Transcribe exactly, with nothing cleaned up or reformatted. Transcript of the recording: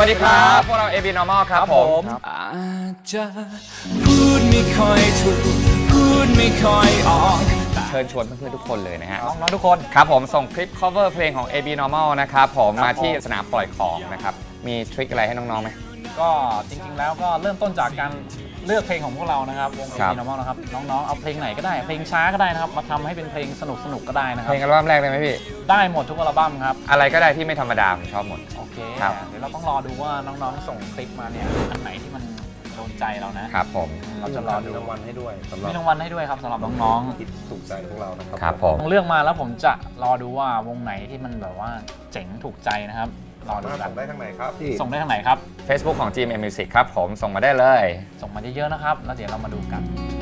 วัสดีครับพวกเรา เอ บี Normal ครับผมอาจจะพูดไม่ค่อยถูกพูดไม่ค่อยออกเชิญชวนเพื่อนๆทุกคนเลยนะฮะน้องๆทุกคนครับผมส่งคลิป cover เพลงของ เอ บี Normal นะครับผมมาที่สนามปล่อยของนะครับมีทริคอะไรให้น้องๆไหมก็จริงๆแล้วก็เริ่มต้นจากการเลือกเพลงของพวกเรานะครับวง เอ บี Normal นะครับน้องๆเอาเพลงไหนก็ได้เพลงช้าก็ได้นะครับมาทำให้เป็นเพลงสนุกๆก็ได้นะครับเพลงอัลบั้มแรกเลยไหมพี่ได้หมดทุกอัลบั้มครับอะไรก็ได้ที่ไม่ธรรมดาผมชอบหมดโอเคเดี๋ยวเราต้องรอดูว่าน้องๆส่งคลิปมาเนี่ยอันไหนที่มันโดนใจเรานะครับผมเราจะรอดูรางวัลให้ด้วยสำหรับมีรางวัลให้ด้วยครับสำหรับน้องๆที่ถูกใจพวกเรานะครับครับผมเลือกมาแล้วผมจะรอดูว่าวงไหนที่มันแบบว่าเจ๋งถูกใจนะครับรอดูกันส่งได้ทางไหนครับที่ส่งได้ทางไหนครับ Facebook ของ จี เอ็ม เอ็ม Music ครับผมส่งมาได้เลยส่งมาเยอะๆนะครับแล้วเดี๋ยวเรามาดูกัน